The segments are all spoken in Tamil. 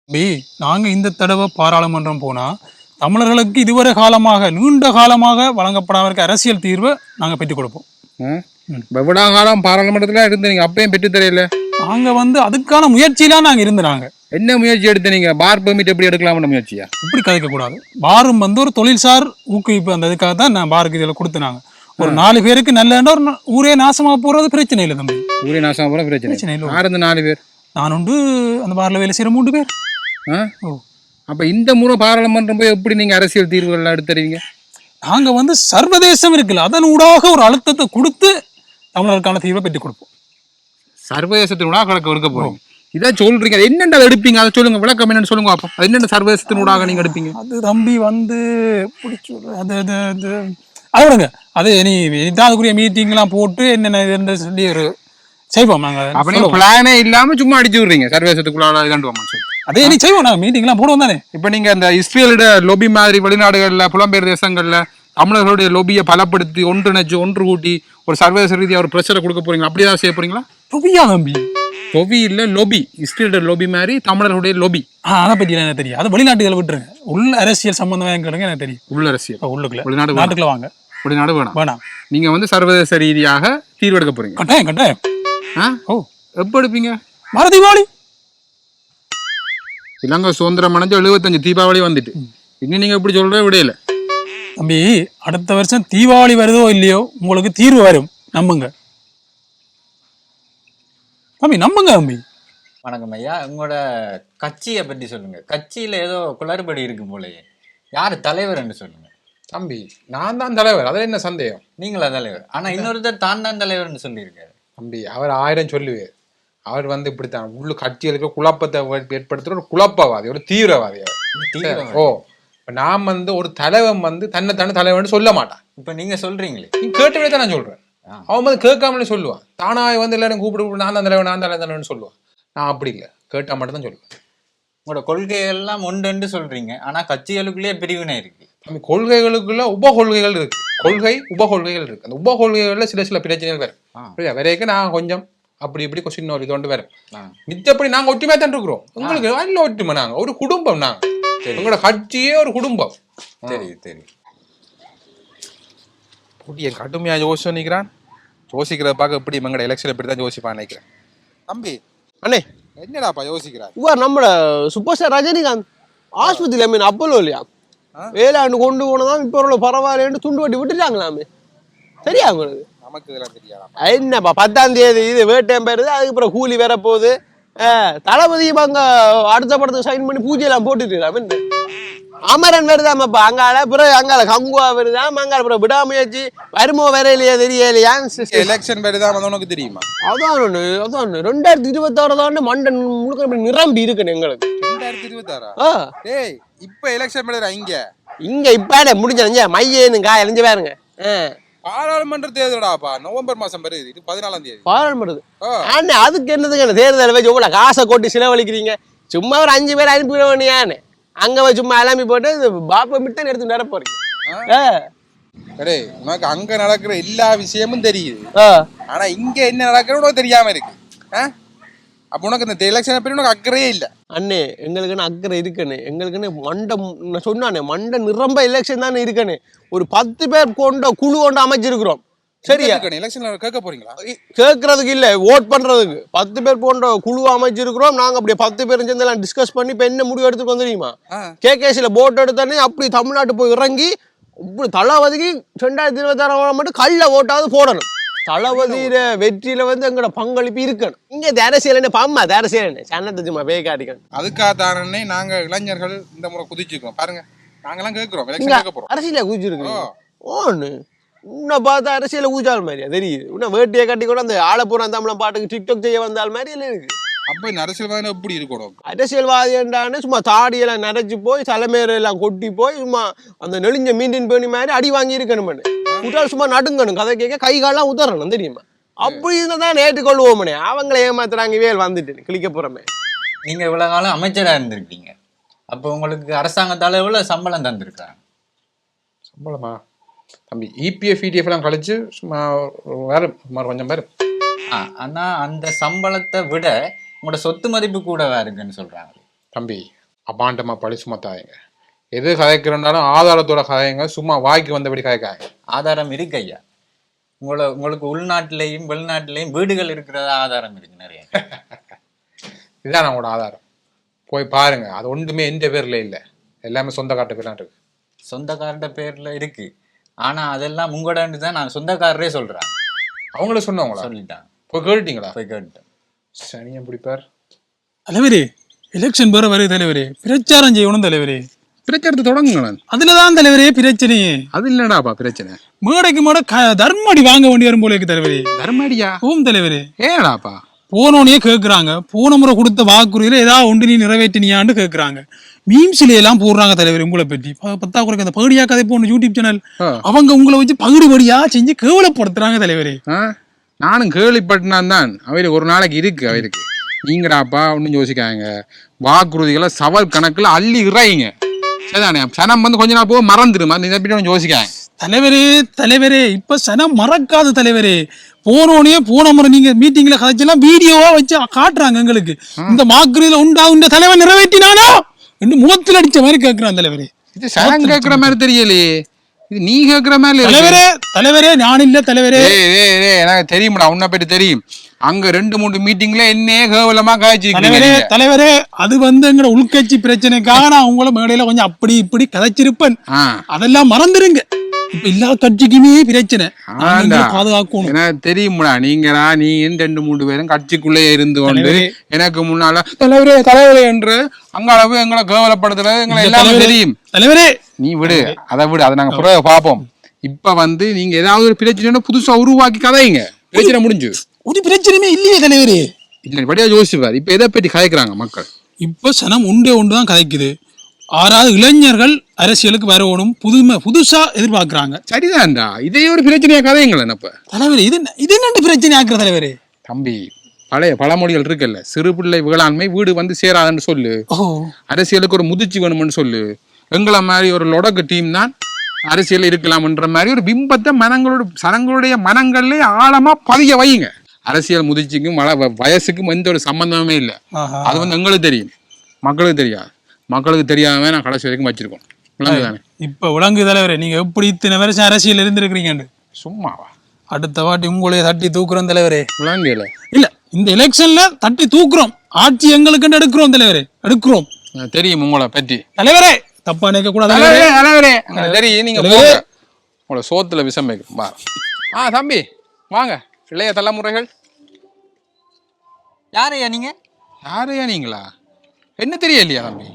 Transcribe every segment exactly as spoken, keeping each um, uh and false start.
பி நாங்க இந்த தடவை பாராளுமன்றம் போனா தமிழர்களுக்கு இதுவரை காலமாக நீண்ட காலமாக வழங்கப்படாம இருக்க அரசியல் தீர்வை நாங்க பெற்றுக் கொடுப்போம். எவ்வளோ காலம் பாராளுமன்றத்தில் இருந்தீங்க, அப்பயும் பெற்று தெரியல. நாங்க வந்து அதுக்கான முயற்சியெல்லாம் நாங்க இருந்தாங்க. என்ன முயற்சி எடுத்தீங்க? பார் பெர்மிட் எப்படி எடுக்கலாம்னு முயற்சியா? இப்படி கதைக்க கூடாது. பாரும் வந்து ஒரு தொழில்சார் ஊக்குவிப்பு, அந்த இதுக்காக தான் நான் பாருக்கு இதில் கொடுத்துனாங்க. ஒரு நாலு பேருக்கு நல்ல ஒரு ஊரே நாசமா போறது பிரச்சனை இல்லை தம்பி. ஊரே நாசமா போற பிரச்சனை பிரச்சனை இல்லை. யார் அந்த நாலு பேர்? நான் உண்டு, அந்த பார்ல வேலை செய்யற மூன்று பேர். ஓ, அப்ப இந்த முறை பாராளுமன்றம் போய் எப்படி நீங்க அரசியல் தீர்வுகள் எடுத்துறீங்க? நாங்க வந்து சர்வதேசம் இருக்குல்ல, அதன் ஊடாக ஒரு அழுத்தத்தை கொடுத்து தமிழருக்கான தீர்வை பெற்றுக் கொடுப்போம். சர்வதேசத்தின் ஊடாக கணக்கு எடுக்க போறோம். இதான் சொல்றீங்க, அது என்னென்ன எடுப்பீங்க அதை சொல்லுங்க, விளக்கம் என்னன்னு சொல்லுங்க பார்ப்போம். அது என்னென்ன சர்வதேசத்தின் ஊடாக நீங்க எடுப்பீங்க? அது தம்பி வந்து அது அது அது அது விடுங்க. அது நீ இதாதுக்குரிய மீட்டிங்லாம் போட்டு என்னென்ன சொல்லி ஒரு செய்வோம். நாங்க அப்ப பிளானே இல்லாம சும்மா அடிச்சு விடுறீங்க சர்வதேசத்துக்குள்ள கண்டுவோம் சொல்லி. அதே நீ செய்வோம், நாங்கள் மீட்டிங்லாம் போடுவோம் தானே. இப்போ நீங்க இந்த இஸ்ரேலோட லொபி மாதிரி வெளிநாடுகளில் புலம்பெயர் தேசங்கள்ல தமிழர்களுடைய லொபியை பலப்படுத்தி ஒன்றிணைச்சு ஒன்று கூட்டி ஒரு சர்வதேச ரீதியாக ஒரு பிரச்சனை கொடுக்க போறீங்களா? அப்படிதான் செய்ய போறீங்களா? லொபியா தம்பி? லொபி இல்ல, லொபி. இஸ்ரேலோட லொபி மாதிரி தமிழர்களுடைய லொபி. ஆ, அதை பத்தி எனக்கு தெரியும். அது வெளிநாட்டுகளை விட்டுருங்க, உள்ள அரசியல் சம்பந்தமாக எங்களுக்கு எனக்கு தெரியும். உள்ள அரசியல் உள்ளுக்குள்ள வெளிநாடு நாட்டுக்குள்ள வாங்க. வெளிநாடு வேணாம் வேணாம். நீங்க வந்து சர்வதேச ரீதியாக தீர்வெடுக்க போறீங்க. கட்டாயம் கட்டாயம். ஆ, ஓ, எப்போ எடுப்பீங்க? மர தீபாவளி. இலங்கை சுதந்திரம் அடைஞ்சு எழுபத்தஞ்சு தீபாவளி வந்துட்டு இன்னும் நீங்க எப்படி சொல்ற விடையில தம்பி. அடுத்த வருஷம் தீபாவளி வருதோ இல்லையோ உங்களுக்கு தீர்வு வரும், நம்புங்க தம்பி, நம்புங்க தம்பி. வணக்கம் ஐயா, உங்களோட கட்சியை பற்றி சொல்லுங்க. கட்சியில ஏதோ குளறுபடி இருக்கு போலயே, யாரு தலைவர்ன்னு சொல்லுங்க. தம்பி, நான் தான் தலைவர், அதில் என்ன சந்தேகம்? நீங்களா தலைவர்? ஆனா இன்னொருத்தர் தான் தான் தலைவர்னு சொல்லியிருக்காரு. தம்பி, அவர் ஆயிரம் சொல்லுவார். அவர் வந்து இப்படித்தான் உள்ள கட்சிகளுக்கு குழப்பத்தை ஏற்படுத்துற ஒரு குழப்பவாதி, ஒரு தீவிரவாதி அவர். ஓ, நான் வந்து ஒரு தலைவன் வந்து தன்னை தானே தலைவன் சொல்ல மாட்டான். இப்ப நீங்க சொல்றீங்களே, நீ கேட்டு தான் நான் சொல்றேன். அவன் வந்து கேட்காமலே சொல்லுவான். தானாய் வந்து எல்லாரும் கூப்பிட்டு நான் தான் தலைவன் நான் தான் தலைவன் சொல்லுவான். நான் அப்படி இல்லை, கேட்டா மட்டும் தான் சொல்லுவேன். உங்களோட கொள்கைகள் எல்லாம் ஒன்று சொல்றீங்க, ஆனா கட்சிகளுக்குள்ளேயே பிரிவினை இருக்கு. நம்ம கொள்கைகளுக்குள்ள உப கொள்கைகள் இருக்கு. கொள்கை உப கொள்கைகள் இருக்கு. அந்த உப கொள்கைகள்ல சில சில பிரச்சனைகள் வரும். வரைக்கும் நான் கொஞ்சம் அப்படி இப்படி கொஸ்டின் ஒரு இது கொண்டு வரும். மிச்சப்படி நாங்க ஒற்றுமையா தான் இருக்கிறோம். உங்களுக்கு நல்ல ஒற்றுமை. நாங்க ஒரு குடும்பம். நாங்க உங்களோட கட்சியே ஒரு குடும்பம். சரி சரி. என் கடுமையா யோசிக்கிறான். யோசிக்கிறத பார்க்க எப்படி எங்களோட எலெக்ஷன் எப்படி தான் யோசிப்பான்னு நினைக்கிறேன். தம்பி அண்ணே, என்னடாப்பா யோசிக்கிறான்? இவர் நம்மள சூப்பர் ஸ்டார் ரஜினிகாந்த் ஆஸ்பத்திரியில மீன் அப்பலோ இல்லையா, வேளாண்டு கொண்டு போனதான் இப்ப உள்ள பரவாயில்லன்னு துண்டு வட்டி விட்டுட்டாங்களாமே. சரியா உங்களுக்கு? நமக்கு இதெல்லாம் தெரியாது. என்னப்பா பத்தாம் தேதி இது வேட்டையம் பெறுது, அதுக்கப்புறம் கூலி வேற போகுது. தளபதி அங்க அடுத்த படத்துக்கு சைன் பண்ணி பூஜை எல்லாம் போட்டுட்டு அமரன் வருதாமப்பா அங்கால, பிறகு அங்கால கங்குவா வருதாம், அங்கால பிறகு விடாமுயற்சி வருமோ வேற இல்லையா தெரியலையா. எலெக்ஷன் வருதான் உனக்கு தெரியுமா? அதான் ஒண்ணு அதான் ரெண்டாயிரத்தி இருபத்தி ஆறு தான் மண்டன் முழுக்க நிரம்பி இருக்குன்னு எங்களுக்கு. ரெண்டாயிரத்தி இருபத்தி ஆறா? டேய், இப்ப எலெக்ஷன் வருதா இங்க? இங்க இப்ப முடிஞ்ச மையேன்னு காய எழிஞ்சு பாருங்க. பாராளுமன்ற தேர்தலாப்பா நவம்பர் மாசம் வருது. இது பதினாலாம் தேதி பாராளுமன்றது. ஆனா அதுக்கு என்னதுங்க தேர்தல் வச்சு உங்களை காசை கொட்டி செலவழிக்கிறீங்க. சும்மா ஒரு அஞ்சு பேர் அனுப்பிட வேண்டியானு அங்க போய் சும்மா எல்லாமே போட்டு பாப்பா மிட்டன் எடுத்து நட போறீங்க. உனக்கு அங்க நடக்கிற எல்லா விஷயமும் தெரியுது, ஆனா இங்க என்ன நடக்கிற உனக்கு தெரியாம இருக்கு. அப்ப உனக்கு இந்த எலெக்ஷனை பத்தி உனக்கு அக்கறையே இல்ல. அண்ணே, எங்களுக்குன்னு அக்கறை இருக்குன்னு. எங்களுக்குன்னு மண்டை சொன்னானே மண்டை நிரம்ப எலெக்ஷன் தானே இருக்குன்னு ஒரு பத்து பேர் கொண்ட குழு கொண்டு அமைச்சிருக்கிறோம். சரியா? எலெக்ஷன்ல கேட்க போறீங்களா? கேட்கறதுக்கு இல்ல, ஓட் பண்றதுக்கு பத்து பேர் போன்ற குழு அமைச்சிருக்கிறோம். நாங்க அப்படியே பத்து பேரும் சேர்ந்து எல்லாம் டிஸ்கஸ் பண்ணி இப்ப என்ன முடிவு எடுத்துட்டு வந்துருமா, கேகேசில போட் எடுத்தானே அப்படி தமிழ்நாட்டு போய் இறங்கி இப்படி தளபதிக்கு ரெண்டாயிரத்தி இருபத்தி ஆறாம் மட்டும் கல்ல ஓட்டாவது போடணும். தளபதியில வெற்றியில வந்து எங்களோட பங்களிப்பு இருக்கணும். இங்க அரசியல் பாம்மா அரசியல் சன்னத்தை சும்மா பேய் காட்டிக்கணும். அதுக்காக தானே நாங்க இளைஞர்கள் இந்த முறை குதிச்சிருக்கோம். பாருங்க, நாங்கெல்லாம் கேட்கிறோம் அரசியல குதிச்சிருக்கோம். ஓன்னு உன்னை பார்த்தா அரசியல ஊச்சால் மாதிரியா தெரியுது. உன்ன வேட்டியை கட்டி கூட அந்த ஆலப்புறம் தமிழ் பாட்டுக்கு டிக்டாக் செய்ய வந்தால் மாதிரி எல்லாம் இருக்கு. அப்ப இந்த அரசியல்வாதி எப்படி இருக்கணும்? அரசியல்வாதி என்றானே சும்மா தாடியெல்லாம் நரைச்சு போய் தலைமையில எல்லாம் கொட்டி போய் சும்மா அந்த நெளிஞ்ச மீண்டின் பேணி மாதிரி அடி வாங்கி இருக்கணும். உட்டால் சும்மா நடுங்கணும், கதை கேட்க கை காலெல்லாம் உதறணும் தெரியுமா. அப்படி இருந்தாதான் ஏற்றுக்கொள்வோமனே. அவங்கள ஏமாத்துறாங்க வேல் வந்துட்டு கிளிக்க போறமே. நீங்க இவ்வளவு காலம் அமைச்சரா இருந்திருக்கீங்க, அப்ப உங்களுக்கு அரசாங்கத்தால எவ்வளவு சம்பளம் தந்திருக்காங்க? சம்பளமா தம்பி? இபிஎஃப் இடிஎஃப் எல்லாம் கழிச்சு சும்மா வேற கொஞ்சம் பேர். ஆனா அந்த சம்பளத்தை விட உங்களோட சொத்து மதிப்பு கூட இருக்குன்னு சொல்றாங்க. தம்பி அபாண்டமா பழி சுமத்தாதீங்க. எது கதைக்கிறனாலும் ஆதாரத்தோட கதைங்க, சும்மா வாய்க்கு வந்தபடி கதைக்காங்க. ஆதாரம் இருக்கு ஐயா. உங்களை உங்களுக்கு உள்நாட்டிலையும் வெளிநாட்டிலையும் வீடுகள் இருக்கிறதா ஆதாரம் இருக்கு நிறைய. இதுதான் நம்மளோட ஆதாரம். போய் பாருங்க. அது ஒன்றுமே எந்த பேர்ல இல்லை, எல்லாமே சொந்த காட்டு பேர்லாம் இருக்கு. சொந்தக்காரர்கிட்ட பேர்ல இருக்கு, ஆனா அதெல்லாம் உங்களோட தான் நான் சொந்தக்காரரே சொல்றேன். அவங்கள சொன்னவங்களா? சொல்லிட்டான். போய் கேட்டீங்களா? போய் கேட்டேன். சனியை பிடிப்பார். தலைவரே எலெக்ஷன் பேர வருது தலைவரே, பிரச்சாரம் செய்யணும் தலைவரே. பிரச்சாரத்தை தொடங்குங்களேன். அதுலதான் தலைவரே பிரச்சனையே. அது இல்லடாப்பா பிரச்சனை. மேடைக்கு மேடை தர்மடி வாங்க வேண்டி வரும் போல இருக்கு தலைவரே. தர்மடியா? ஓம் தலைவரே. ஏடாப்பா போனோனே கேக்குறாங்க, போன முறை கொடுத்த வாக்குறுதியில ஏதாவது ஒன்று நீ நிறைவேற்றினியான்னு கேக்குறாங்க. மீம்ஸ்ல எல்லாம் போடுறாங்க தலைவர் உங்களை பற்றி. பத்தா குறைக்க அந்த பகுடியா கதை போன யூடியூப் சேனல், அவங்க உங்களை வச்சு பகுடி படியா செஞ்சு கேவலப்படுத்துறாங்க தலைவரே. நானும் கேள்விப்பட்டினான் தான். அவருக்கு ஒரு நாளைக்கு இருக்கு அவருக்கு. நீங்கடாப்பா ஒன்னும் யோசிக்காங்க. வாக்குறுதிகளை சவால் கணக்குல அள்ளி இறாயிங்க. சரிதானே? சனம் வந்து கொஞ்ச நாள் போக மறந்துடும். இதை பற்றி ஒன்றும் யோசிக்காங்க தலைவரே. தலைவரே இப்ப சனம் மறக்காது தலைவரே. போனோடனே போன முறை நீங்க மீட்டிங்ல கதைச்செல்லாம் வீடியோவா வச்சு காட்டுறாங்க எங்களுக்கு. இந்த வாக்குறுதியில உண்டா இந்த தலைவர் நிறைவேற்றினானோ என்று முகத்தில் அடிச்ச மாதிரி கேட்கிறான் தலைவரே. இது சனம் கேட்கிற மாதிரி தெரியலையே, இது நீ கேட்கிற மாதிரி. தலைவரே தலைவரே நான் இல்ல தலைவரே. எனக்கு தெரியும்டா, உன்னை பற்றி தெரியும். அங்க ரெண்டு மூணு மீட்டிங்ல என்னே கேவலமா காய்ச்சிருக்கீங்க தலைவரே. அது வந்து எங்க உள்கட்சி பிரச்சனைக்காக நான் உங்களை மேடையில கொஞ்சம் அப்படி இப்படி கதைச்சிருப்பேன். அதெல்லாம் மறந்துருங்க. இப்ப எல்லா கட்சிக்குமே பிரச்சனை, பாதுகாக்கணும். எனக்கு தெரியும்டா. நீங்களா நீ ரெண்டு மூணு பேரும் கட்சிக்குள்ளே இருந்து கொண்டு எனக்கு முன்னால தலைவரே தலைவரே என்று அங்களவு எங்களை கேவலப்படுத்துறது எங்களை எல்லாமே தெரியும் தலைவரே. நீ விடு, அதை விடு, அதை நாங்க பிறகு பார்ப்போம். இப்ப வந்து நீங்க ஏதாவது ஒரு பிரச்சனை புதுசா உருவாக்கி கதைங்க. பிரச்சனை முடிஞ்சு ஒரு பிரச்சனையுமே இல்லையே தலைவரே. இல்ல படியா யோசிப்பார். இப்ப எதை பற்றி கதைக்கிறாங்க மக்கள்? இப்ப சனம் ஒன்றே ஒன்றுதான் கதைக்குது. ஆறாவது இளைஞர்கள் அரசியலுக்கு வரணும், புதுமை புதுசா எதிர்பார்க்கிறாங்க. சரிதான்டா, இதே ஒரு பிரச்சனையா கதைங்களேன். அப்ப தலைவரே இது இது என்ன பிரச்சனை ஆக்குற தலைவரே? தம்பி பழைய பழமொழிகள் இருக்குல்ல, சிறு பிள்ளை வேளாண்மை வீடு வந்து சேராதுன்னு சொல்லு. அரசியலுக்கு ஒரு முதிர்ச்சி வேணும்னு சொல்லு. எங்களை மாதிரி ஒரு லொடக்கு டீம் தான் அரசியல் இருக்கலாம்ன்ற மாதிரி ஒரு பிம்பத்தை மனங்களோட சனங்களுடைய மனங்கள்ல ஆழமா பதிய வைங்க. அரசியல் முதிர்ச்சிக்கும் வயசுக்கும் எந்த ஒரு சம்பந்தமே இல்லை. அது வந்து எங்களுக்கு தெரியும், மக்களுக்கு தெரியாது. மக்களுக்கு தெரியாம நான் கடைசி வரைக்கும் வச்சிருக்கோம். விளங்குதானே? இப்ப விளங்கு தலைவரே, நீங்க எப்படி இத்தனை வருஷம் அரசியல் இருந்திருக்கிறீங்க. சும்மாவா? அடுத்த வாட்டி உங்களைய தட்டி தூக்குறோம் தலைவரே. விளங்கல இல்ல, இந்த எலெக்ஷன்ல தட்டி தூக்குறோம். ஆட்சி எங்களுக்கு எடுக்கிறோம் தலைவரே, எடுக்கிறோம். தெரியும் உங்களை பற்றி தலைவரே. தப்பா நினைக்க கூடாது தலைவரே. தெரியும் நீங்க உங்களை சோத்துல விஷம் வைக்கும். ஆ தம்பி வாங்க. இளைய தலைமுறைகள். யாரையா நீங்க? யாரையா நீங்களா? என்ன தெரியலையா தம்பி?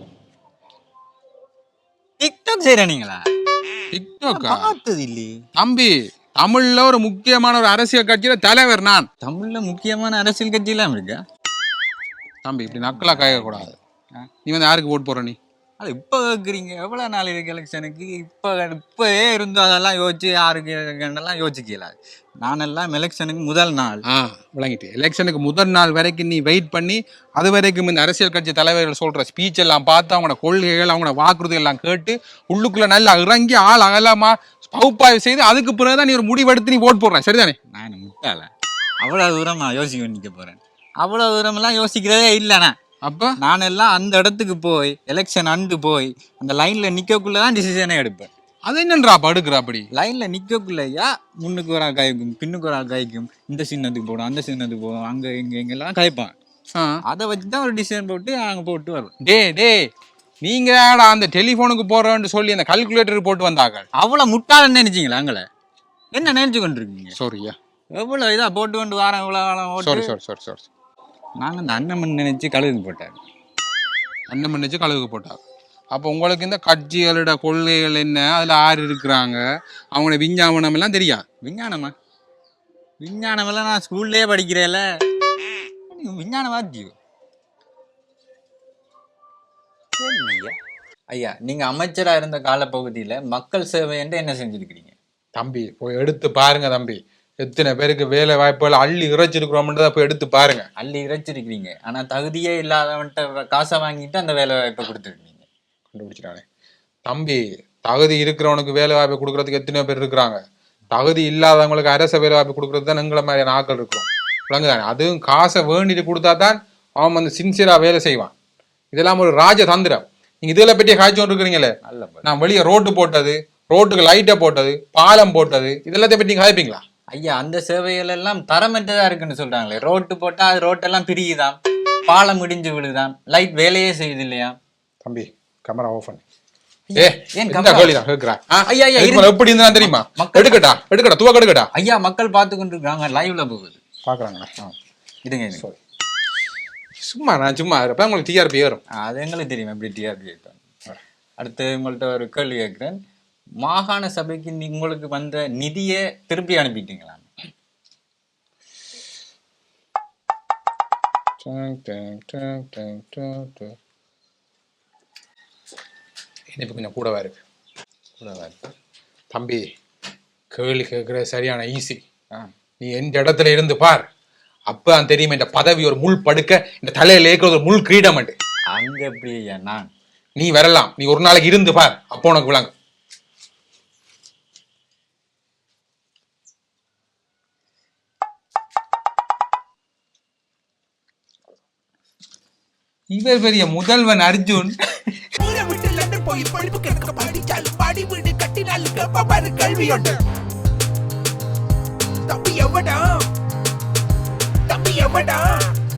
டிக்டாக் செய்யறீங்களா? டிக்டாக்கா? பார்த்தது இல்லையே தம்பி. தமிழ்ல ஒரு முக்கியமான ஒரு அரசியல் கட்சியில தலைவர் நான். தமிழ்ல முக்கியமான அரசியல் கட்சி எல்லாம் இருக்கா தம்பி? இப்படி நக்கலா கேட்க கூடாது. நீ வந்து யாருக்கு ஓட் போற? நீ அது இப்போ கேட்குறீங்க. எவ்வளோ நாள் இருக்கு எலெக்ஷனுக்கு? இப்போ இப்போயே இருந்தோம் அதெல்லாம் யோசிச்சு யாருக்கு எல்லாம் யோசிக்கல. நானெல்லாம் எலெக்ஷனுக்கு முதல் நாள். ஆ விளங்கிட்டு. எலெக்ஷனுக்கு முதல் நாள் வரைக்கும் நீ வெயிட் பண்ணி அது வரைக்கும் இந்த அரசியல் கட்சி தலைவர்கள் சொல்ற ஸ்பீச் எல்லாம் பார்த்து அவங்களோட கொள்கைகள் அவங்களோட வாக்குறுதிகள் எல்லாம் கேட்டு உள்ளுக்குள்ள நல்லா இறங்கி ஆள் அகலமா பகுப்பாய்வு செய்து அதுக்கு பிறகுதான் நீ ஒரு முடிவெடுத்து நீ ஓட் போடுற. சரிதானே? நான் முட்டாள அவ்வளோ தூரம் நான் யோசிக்க நிற்க போறேன். அவ்வளோ தூரமெல்லாம் யோசிக்கிறதே இல்லைண்ணா. அப்போ நான் எல்லாம் அந்த இடத்துக்கு போய் எலெக்ஷன் அண்டு போய் அந்த லைன்ல நிக்கக்குள்ளதான் டிசிஷனே எடுப்பேன். அது என்னன்றா படுக்கிற? அப்படி லைன்ல நிக்கக்குள்ளையா முன்னுக்கு ஒரு ஆள் காய்க்கும், பின்னுக்கு ஒரு ஆள் காய்க்கும், இந்த சின்னத்துக்கு போடும், அந்த சின்னத்துக்கு போடும், அங்க இங்க எங்கெல்லாம் காய்ப்பான். அதை வச்சுதான் ஒரு டிசிஷன் போட்டு அங்க போட்டு வரும். டே டே நீங்க அந்த டெலிபோனுக்கு போறோன்னு சொல்லி அந்த கால்குலேட்டர் போட்டு வந்தாங்க. அவ்வளவு முட்டாளன்னு நினைச்சீங்களா? அங்களை என்ன நினைச்சு கொண்டு இருக்கீங்க? சாரியா, எவ்வளவு இதா போட்டு கொண்டு வரேன் இவ்வளவு. சாரி சாரி சாரி சாரி நாங்கள் இந்த அண்ணன் நினைச்சு கழுகுக்கு போட்டாங்க. அண்ணன் நினைச்சு கழுகுக்கு போட்டாங்க. அப்போ உங்களுக்கு இந்த கட்சிகளோட கொள்கைகள் என்ன, அதில் ஆறு இருக்கிறாங்க, அவங்களோட விஞ்ஞாபனம் எல்லாம் தெரியாது. விஞ்ஞானமா? விஞ்ஞானம் எல்லாம் நான் ஸ்கூல்லேயே படிக்கிறேன்ல. விஞ்ஞானமா ஜீவ் ஐயா. ஐயா நீங்க அமைச்சரா இருந்த காலப்பகுதியில மக்கள் சேவை என்று என்ன செஞ்சிருக்கிறீங்க? தம்பி போய் எடுத்து பாருங்க தம்பி. எத்தனை பேருக்கு வேலை வாய்ப்புகள் அள்ளி இறைச்சிருக்கிறோம்ன்றதை போய் எடுத்து பாருங்க. அள்ளி இறைச்சிருக்கிறீங்க, ஆனா தகுதியே இல்லாதவன்ட்ட காசை வாங்கிட்டு அந்த வேலை வாய்ப்பை கொடுத்துருக்கீங்க. கண்டுபிடிச்சிட்டானே தம்பி. தகுதி இருக்கிறவனுக்கு வேலை வாய்ப்பு கொடுக்கறதுக்கு எத்தனையோ பேர் இருக்கிறாங்க. தகுதி இல்லாதவங்களுக்கு அரச வேலை வாய்ப்பு கொடுக்கறது தான் எங்களை மாதிரியான ஆட்கள் இருக்கிறோம். விளங்குதானே? அதுவும் காசை வேண்டிட்டு கொடுத்தா தான் அவன் வந்து சின்சியரா வேலை செய்வான். இதெல்லாம் ஒரு ராஜ தந்திரம். நீங்க இதுல பற்றிய காய்ச்சி கொண்டு இருக்கிறீங்களே, நான் வெளியே ரோட்டு போட்டது, ரோட்டுக்கு லைட்டை போட்டது, பாலம் போட்டது, இதெல்லாத்தையும் பற்றி காய்ப்பீங்களா? ஐயா அந்த சேவைகள் எல்லாம் தரமற்றதா இருக்குன்னு சொல்றாங்களே. ரோட்டு போட்டா அது ரோட்டெல்லாம் பிரியுதான், பாலம் இடிஞ்சு விழுதான், லைட் வேலையே செய்யுது இல்லையா? தம்பி கேமரா ஓபன். ஏ ஏன் ஐயா ஐயா எப்படி இருந்தா தெரியுமா? எடுக்கட்டா எடுக்கட்டா துவக்க எடுக்கட்டா. ஐயா மக்கள் பார்த்து கொண்டு இருக்காங்க, லைவ்ல போகுது பாக்குறாங்களா? இதுங்க இது சும்மா நான் சும்மா இருப்பேன், உங்களுக்கு டிஆர்பி ஏறும். அது எங்களுக்கு தெரியும் எப்படி டிஆர்பி ஏற்றாங்க. அடுத்து உங்கள்கிட்ட ஒரு கேள்வி கேட்கிறேன். மாகாண சபைக்கு உங்களுக்கு வந்த நிதியை திருப்பி அனுப்பிட்டீங்களா? இனிப்பு கொஞ்சம் கூடவா இருக்கு, கூடவா இருக்கு. தம்பி கேள்வி கேட்குற சரியான ஈஸி. நீ எந்த இடத்துல இருந்து பார், அப்ப தெரியும் இந்த பதவி ஒரு முள் படுக்க, இந்த தலையில ஏற்கிறது ஒரு முள் கிரீடம். அங்க எப்படி ஐயா? நான் நீ வரலாம், நீ ஒரு நாளைக்கு இருந்து பார், அப்போ உனக்கு விளங்கும். இவர் பெரிய முதல்வன் அர்ஜுன். போய் படிப்பு கிடக்க படிச்சாலும் பாடி வீடு கட்டினாலும் கல்வி உண்டு. தம்பி எவடா தம்பி எவடா